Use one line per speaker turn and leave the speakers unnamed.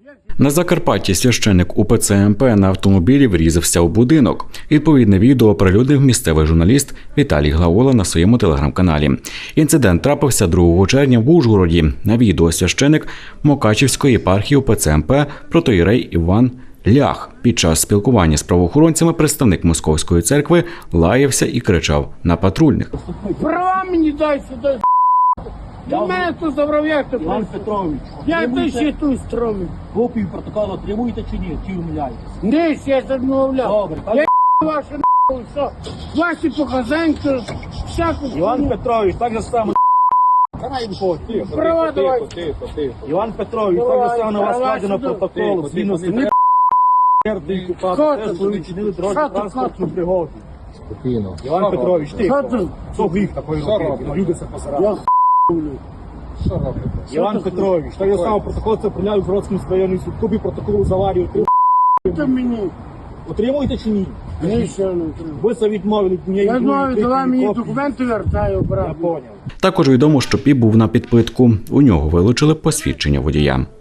На Закарпатті священик УПЦ МП на автомобілі врізався у будинок. Відповідне відео оприлюднив місцевий журналіст Віталій Глаола на своєму телеграм-каналі. Інцидент трапився 2 червня в Ужгороді. На відео священик Мукачівської єпархії УПЦ МП протоієрей Іван Лях. Під час спілкування з правоохоронцями представник Московської церкви лаявся і кричав на патрульних.
Права мені дай сюди, до мене тут забрав, як ти
Іван Петрович,
як ти ще тут стромив?
копію протоколу отримуєте чи ні? Чи умиляєтесь?
Десь я відмовляв.
Добре,
Я ваші все. Ваші показанки, всяку.
Іван Петрович, так же само.
Права давай.
Іван Петрович, так же само на вас складено протокол. Згідно з теж ви вчинили дорожню транспортну пригоду. Іван Петрович, ти. Що гріх такої робити? Люди це посирали. Іван Петрович, так же само протокол це прийняв в Бродському районному суд. Копію протоколу з аварії
Ти мені.
отримуєте чи ні?
Ні, ще не треба.
Ви це відмовили.
Я знаю, давай мені документи вертаю,
Я
брат.
поняв.
Також відомо, що Піп був на підпитку. У нього вилучили посвідчення водія.